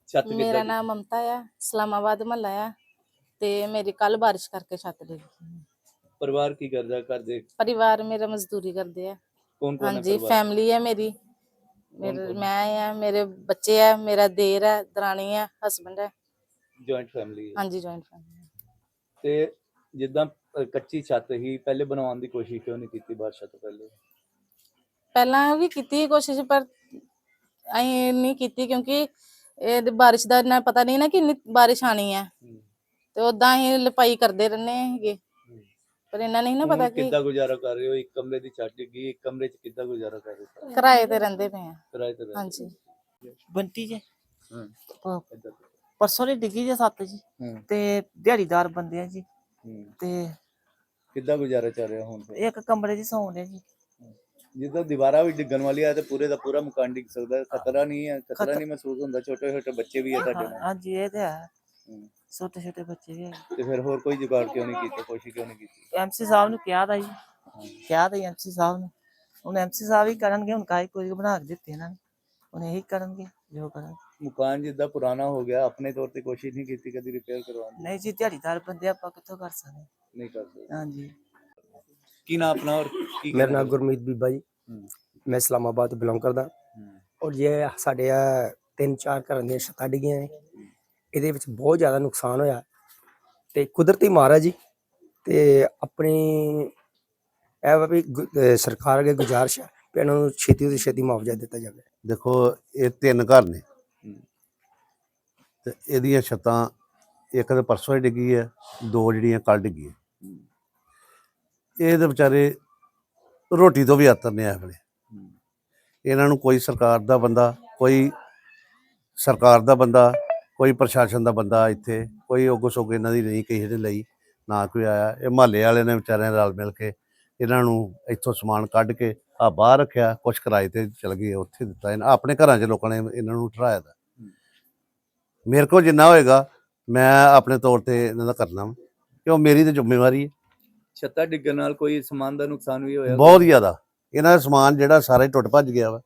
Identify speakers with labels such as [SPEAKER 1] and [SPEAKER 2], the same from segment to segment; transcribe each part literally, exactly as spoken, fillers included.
[SPEAKER 1] ਛੱਤ
[SPEAKER 2] ਮੇਰਾ
[SPEAKER 1] ਕਿੱਦਾਂ
[SPEAKER 2] ਨਾਮ ਮਮਤਾ ਆ, ਇਸਲਾਮਾਬਾਦ ਮਹੱਲਾ ਆ ਤੇ ਮੇਰੀ ਕੱਲ ਬਾਰਿਸ਼ ਕਰਕੇ ਛੱਤ ਡਿੱਗ ਗਈ।
[SPEAKER 1] ਪਰਿਵਾਰ ਕੀ ਕਰਦਾ ਘਰ ਦੇ?
[SPEAKER 2] ਪਰਿਵਾਰ ਮੇਰਾ ਮਜ਼ਦੂਰੀ ਕਰਦੇ ਆ।
[SPEAKER 1] ਕੌਣ ਕੌਣ ਹੈ
[SPEAKER 2] ਹਾਂਜੀ,
[SPEAKER 1] ਪਰਿਵਾਰ?
[SPEAKER 2] ਫੈਮਿਲੀ ਹੈ ਮੇਰੀ।
[SPEAKER 1] ਕੌਣ
[SPEAKER 2] ਮੇਰੇ
[SPEAKER 1] ਕੌਣ?
[SPEAKER 2] ਮੈਂ ਆ, ਮੇਰੇ ਬੱਚੇ ਆ, ਮੇਰਾ ਦੇਰ ਹੈ, ਦਰਾਣੀ ਹੈ, ਹਸਬੈਂਡ ਹੈ।
[SPEAKER 1] ਜੁਆਇੰਟ ਫੈਮਿਲੀ ਹੈ।
[SPEAKER 2] ਹਾਂਜੀ, ਜੁਆਇੰਟ ਫੈਮਿਲੀ।
[SPEAKER 1] ਤੇ ਜਿੱਦਾਂ ਅ, ਕੱਚੀ ਛੱਤ ਹੀ ਪਹਿਲੇ ਬਣਾਉਣ ਦੀ ਕੋਸ਼ਿਸ਼ ਕਿਉਂ ਨਹੀਂ ਕੀਤੀ ਬਾਰਿਸ਼ਾਂ ਤੋਂ ਪਹਿਲੇ?
[SPEAKER 2] ਪਹਿਲਾਂ ਵੀ ਕੀਤੀ ਕੋਸ਼ਿਸ਼ ਪਰ ਅਸੀਂ ਨਹੀਂ ਕੀਤੀ ਕਿਉਂਕਿ ਇਹ ਬਾਰਿਸ਼ ਦਾ ਇੰਨਾ ਪਤਾ ਨਹੀਂ ਨਾ ਕਿ ਇੰਨੀ ਬਾਰਿਸ਼ ਆਣੀ ਹੈ,
[SPEAKER 1] ਹੂੰ,
[SPEAKER 2] ਤੇ ਉਦਾਂ ਅਸੀਂ ਲਿਪਾਈ ਕਰਦੇ ਰਹਿੰਦੇ ਹੈਗੇ,
[SPEAKER 1] ਹੂੰ।
[SPEAKER 2] ਪਰ ਇਹਨਾਂ ਨਹੀਂ ਨਾ
[SPEAKER 1] ਹੁਣ
[SPEAKER 2] ਪਤਾ ਕਿ
[SPEAKER 1] ਕਿੱਦਾਂ ਗੁਜ਼ਾਰਾ ਕਰ ਰਹੇ ਹੋ? ਇੱਕ ਕਮਰੇ ਦੀ ਛੱਤ ਡਿੱਗੀ, ਇੱਕ ਕਮਰੇ 'ਚ ਕਿੱਦਾਂ ਗੁਜ਼ਾਰਾ ਕਰ ਰਹੇ ਹੋ?
[SPEAKER 2] ਕਿਰਾਏ ਤੇ ਰਹਿੰਦੇ ਪਏ ਆ।
[SPEAKER 1] ਕਿਰਾਏ ਤੇ ਰਹਿੰਦੇ
[SPEAKER 2] ਹਾਂਜੀ।
[SPEAKER 1] ਹੋ?
[SPEAKER 3] ਬੰਟੀ ਜੇ
[SPEAKER 1] ਹਾਂ,
[SPEAKER 3] ਪ-
[SPEAKER 1] ਏਦਾਂ।
[SPEAKER 3] ਪਰਸੋਂ ਦੀ ਡਿੱਗੀ ਜੇ ਸੱਤ ਜੀ
[SPEAKER 1] ਹੂੰ,
[SPEAKER 3] ਤੇ ਦਿਹਾੜੀਦਾਰ ਬੰਦੇ ਆ ਜੀ
[SPEAKER 1] ਹੂੰ।
[SPEAKER 3] ਤੇ
[SPEAKER 1] ਕਿੱਦਾਂ ਗੁਜ਼ਾਰਾ ਚੱਲ ਰਿਹਾ ਹੁਣ ਫਿਰ?
[SPEAKER 3] ਇੱਕ ਕਮਰੇ 'ਚ ਸੌਂਦੇ ਜੀ।
[SPEAKER 1] ਜਿੱਦਾਂ ਦੀਵਾਰਾਂ ਵੀ ਡਿੱਗਣ ਵਾਲੀਆਂ ਤੇ ਪੂਰੇ ਦਾ ਪੂਰਾ ਮਕਾਨ ਡਿੱਗ ਸਕਦਾ ਹੈ, ਖਤਰਾ ਨਹੀਂ ਹੈ? ਖਤਰਾ
[SPEAKER 3] ਖਤਰਾ-
[SPEAKER 1] ਨਹੀਂ ਮਹਿਸੂਸ ਹੁੰਦਾ? ਛੋਟੇ ਛੋਟੇ ਬੱਚੇ ਵੀ ਹੈ ਤੁਹਾਡੇ
[SPEAKER 3] ਹਾਂ-
[SPEAKER 1] ਨਾਲ।
[SPEAKER 3] ਹਾਂਜੀ ਇਹ ਤੇ ਹੈ,
[SPEAKER 1] ਹੂੰ।
[SPEAKER 3] ਛੋਟੇ ਛੋਟੇ ਬੱਚੇ ਵੀ ਹੈਗੇ।
[SPEAKER 1] ਤੇ ਫਿਰ ਹੋਰ ਕੋਈ ਜੁਗਾੜ ਕਿਉਂ ਨਹੀਂ ਕੀਤਾ? ਕੋਸ਼ਿਸ਼ ਕਿਉਂ ਨਹੀਂ ਕੀਤੀ?
[SPEAKER 3] ਐਮਸੀ ਸਾਹਿਬ ਨੂੰ ਕਿਹਾ ਦਾ ਜੀ,
[SPEAKER 1] ਹਾਂ।
[SPEAKER 3] ਕਿਹਾ ਤਾਂ ਐਮਸੀ ਸਾਹਿਬ ਨੂੰ, ਹੁਣ ਐਮਸੀ ਸਾਹਿਬ ਹੀ ਕਰਨਗੇ। ਹੁਣ ਕਾਹੀ ਕੋਈ ਬਣਾ ਕੇ ਦਿੱਤੇ ਇਹਨਾਂ ਨੇ, ਹੁਣ ਇਹੀ ਕਰਨਗੇ ਜੋ ਕਰਨਗੇ।
[SPEAKER 1] ਮਕਾਨ ਜਿੱਦਾਂ ਪੁਰਾਣਾ ਹੋ ਗਿਆ, ਆਪਣੇ ਤੌਰ ਤੇ ਕੋਸ਼ਿਸ਼ ਨਹੀਂ ਕੀਤੀ ਕਦੀ ਰਿਪੇਅਰ ਕਰਵਾਉਣ ਦੀ?
[SPEAKER 3] ਨਹੀਂ ਜੀ, ਦਿਹਾੜੀਦਾਰ ਬੰਦੇ ਆਪਾਂ ਕਿੱਥੋਂ ਕਰ ਸਕਦੇ।
[SPEAKER 1] ਨਹੀਂ ਕਰ ਸਕਦੇ।
[SPEAKER 3] ਹਾਂਜੀ।
[SPEAKER 1] ਕੀ ਨਾਮ ਆਪਣਾ ਔਰ ਕੀ
[SPEAKER 4] मेरा
[SPEAKER 1] कहना
[SPEAKER 4] नाम
[SPEAKER 1] चाहते
[SPEAKER 4] गुरमीत बीबा जी,
[SPEAKER 1] हूं,
[SPEAKER 4] मैं इस्लामाबाद तो बिलोंग करदा
[SPEAKER 1] हूं,
[SPEAKER 4] और ये ਸਾਡੇ ਆ ਤਿੰਨ ਚਾਰ ਘਰਾਂ ਦੀਆਂ ਛੱਤਾਂ ਡਿੱਗੀਆਂ ਨੇ। ਇਹਦੇ ਵਿੱਚ ਬਹੁਤ ਜ਼ਿਆਦਾ ਨੁਕਸਾਨ ਹੋਇਆ ਤੇ ਕੁਦਰਤੀ ਮਾਰ ਹੈ ਜੀ। ਤੇ ਆਪਣੀ ਇਹ ਵਾ ਵੀ ਗੁ- ਅਹ ਸਰਕਾਰ ਅੱਗੇ ਗੁਜ਼ਾਰਿਸ਼ ਹੈ ਵੀ ਇਹਨਾਂ ਨੂੰ ਛੇਤੀ ਤੋਂ ਛੇਤੀ ਮੁਆਵਜ਼ਾ ਦਿੱਤਾ ਜਾਵੇ।
[SPEAKER 5] ਦੇਖੋ ਇਹ ਤਿੰਨ ਘਰ ਨੇ
[SPEAKER 1] हूं,
[SPEAKER 5] ਤੇ ਇਹਦੀਆਂ ਛੱਤਾਂ ਇੱਕ ਤਾਂ ਪਰਸੋਂ ਹੀ ਡਿੱਗੀ ਹੈ, ਦੋ ਜਿਹੜੀਆਂ ਕੱਲ੍ਹ ਡਿੱਗੀਆਂ।
[SPEAKER 1] हूं,
[SPEAKER 5] ਇਹ ਤਾਂ ਵਿਚਾਰੇ ਰੋਟੀ ਤੋਂ ਵੀ ਆਤਰ ਨੇ ਇਸ ਵੇਲੇ।
[SPEAKER 1] हूं,
[SPEAKER 5] ਇਹਨਾਂ ਨੂੰ ਕੋਈ ਸਰਕਾਰ ਦਾ ਬੰਦਾ, ਕੋਈ ਸਰਕਾਰ ਦਾ ਬੰਦਾ, ਕੋਈ ਪ੍ਰਸ਼ਾਸਨ ਦਾ ਬੰਦਾ ਇੱਥੇ ਕੋਈ ਉਗ ਸੁਗ ਇਹਨਾਂ ਦੀ ਨਹੀਂ ਕਿਸੇ ਦੇ ਲਈ ਨਾ ਕੋਈ ਆਇਆ। ਇਹ ਮੁਹੱਲੇ ਵਾਲਿਆਂ ਨੇ ਵਿਚਾਰਿਆਂ ਨੇ ਰਲ ਮਿਲ ਕੇ ਇਹਨਾਂ ਨੂੰ ਇੱਥੋਂ ਸਮਾਨ ਕੱਢ ਕੇ ਆ ਬਾਹਰ ਰੱਖਿਆ, ਕੁਛ ਕਿਰਾਏ ਤੇ ਚਲ ਗਏ, ਉੱਥੇ ਦਿੱਤਾ। ਇਹਨਾਂ ਆਪਣੇ ਘਰਾਂ 'ਚ ਲੋਕਾਂ ਨੇ ਇਹਨਾਂ ਨੂੰ ਠਹਿਰਾਇਆ ਦਾ। ਮੇਰੇ ਕੋਲ ਜਿੰਨਾ ਹੋਏਗਾ ਮੈਂ ਆਪਣੇ ਤੌਰ ਤੇ ਇਹਨਾਂ ਦਾ ਕਰਨਾ ਵਾ, ਕਿਉਂ ਮੇਰੀ ਤਾਂ ਜ਼ਿੰਮੇਵਾਰੀ ਹੈ।
[SPEAKER 1] ਛੱਤਾਂ ਡਿੱਗਣ ਨਾਲ ਕੋਈ ਸਮਾਨ ਦਾ ਨੁਕਸਾਨ ਵੀ ਹੋਇਆ?
[SPEAKER 5] ਬਹੁਤ ਜ਼ਿਆਦਾ ਇਹਨਾਂ ਦਾ ਸਮਾਨ ਜਿਹੜਾ ਸਾਰਾ ਹੀ ਟੁੱਟ ਭੱਜ ਗਿਆ ਵਾ।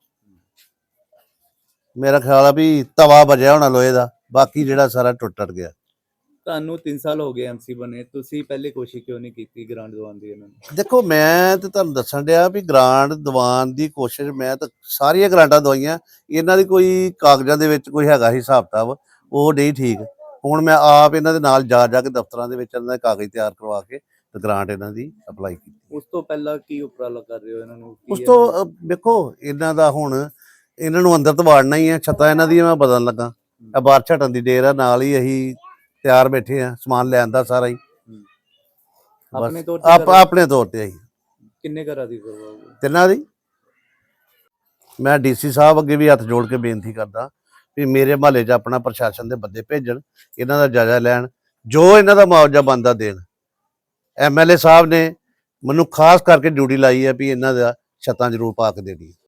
[SPEAKER 5] ਮੇਰਾ ਖਿਆਲ ਆ ਵੀ ਤਵਾ ਵਜਿਆ ਹੋਣਾ ਲੋਹੇ ਦਾ, ਬਾਕੀ ਜਿਹੜਾ ਸਾਰਾ ਟੁੱਟ ਟੱਟ ਗਿਆ।
[SPEAKER 1] ਤੁਹਾਨੂੰ ਤਿੰਨ ਸਾਲ ਹੋ ਗਏ ਐਮਸੀ ਬਣੇ, ਤੁਸੀਂ ਪਹਿਲੇ ਕੋਸ਼ਿਸ਼ ਕਿਉਂ ਨਹੀਂ ਕੀਤੀ ਗ੍ਰਾਂਟ ਦਿਵਾਉਣ ਦੀ ਇਹਨਾਂ ਨੂੰ?
[SPEAKER 5] ਦੇਖੋ ਮੈਂ ਤੇ ਤੁਹਾਨੂੰ ਦੱਸਣ ਡਿਆ ਵੀ ਗ੍ਰਾਂਟ ਦਿਵਾਉਣ ਦੀ ਕੋਸ਼ਿਸ਼ ਮੈਂ ਤਾਂ ਸਾਰੀਆਂ ਗ੍ਰਾਂਟਾਂ ਦਵਾਈਆਂ। ਇਹਨਾਂ ਦੀ ਕੋਈ ਕਾਗਜ਼ਾਂ ਦੇ ਵਿੱਚ ਕੋਈ ਹੈਗਾ ਹਿਸਾਬ ਕਿਤਾਬ, ਉਹ ਨਹੀਂ ਠੀਕ। ਹੁਣ ਮੈਂ ਆਪ ਇਹਨਾਂ ਦੇ ਨਾਲ ਜਾ ਜਾ ਕੇ ਦਫ਼ਤਰਾਂ ਦੇ ਵਿੱਚ ਇਹਨਾਂ ਦੇ ਕਾਗਜ਼ ਤਿਆਰ ਕਰਵਾ ਕੇ ਤੇ ਗ੍ਰਾਂਟ ਇਹਨਾਂ ਦੀ ਅਪਲਾਈ ਕੀਤੀ।
[SPEAKER 1] ਉਸ ਤੋਂ ਪਹਿਲਾਂ ਕੀ ਉਪਰਾਲਾ ਕਰ ਰਹੇ ਹੋ ਇਹਨਾਂ ਨੂੰ? ਕੀ
[SPEAKER 5] ਉਸ ਤੋਂ
[SPEAKER 1] ਇਹਨਾਂ
[SPEAKER 5] ਅ, ਵੇਖੋ ਇਹਨਾਂ ਦਾ ਹੁਣ ਇਹਨਾਂ ਨੂੰ ਅੰਦਰ ਤਾਂ ਵਾੜਨਾ ਹੀ ਹੈ। ਛੱਤਾਂ ਇਹਨਾਂ ਦੀਆਂ ਮੈਂ ਬਦਲਣ ਲੱਗਾ, ਇਹ ਬਾਹਰ ਛੱਟਣ ਦੀ ਡੇਰ ਆ, ਨਾਲ ਹੀ ਅਸੀਂ ਤਿਆਰ ਬੈਠੇ ਆ ਸਮਾਨ ਲੈਣ ਦਾ ਸਾਰਾ ਹੀ।
[SPEAKER 1] ਹੂੰ।
[SPEAKER 5] ਬਸ
[SPEAKER 1] ਆਪਣੇ ਤੌਰ ਤੇ
[SPEAKER 5] ਆਪ
[SPEAKER 1] ਕਰ-
[SPEAKER 5] ਆਪਣੇ ਤੌਰ ਤੇ ਅਸੀਂ
[SPEAKER 1] ਕਿੰਨੇ ਘਰਾਂ ਦੀ ਕਰਵਾਓਗੇ?
[SPEAKER 5] ਤਿੰਨਾਂ ਦੀ। ਮੈਂ ਡੀਸੀ ਸਾਹਿਬ ਅੱਗੇ ਵੀ ਹੱਥ ਜੋੜ ਕੇ ਬੇਨਤੀ ਕਰਦਾ ਵੀ ਮੇਰੇ ਮਹੱਲੇ 'ਚ ਆਪਣਾ ਪ੍ਰਸ਼ਾਸਨ ਦੇ ਬੰਦੇ ਭੇਜਣ, ਇਹਨਾਂ ਦਾ ਜਾਇਜ਼ਾ ਲੈਣ, ਜੋ ਇਹਨਾਂ ਦਾ ਮੁਆਵਜ਼ਾ ਬਣਦਾ ਦੇਣ। ਐਮ ਐਲ ਏ ਸਾਹਿਬ ਨੇ ਮੈਨੂੰ ਖਾਸ ਕਰਕੇ ਡਿਊਟੀ ਲਾਈ ਹੈ ਵੀ ਇਹਨਾਂ ਦਾ ਛੱਤਾਂ ਜ਼ਰੂਰ ਪਾ ਕੇ ਦੇਣੀ।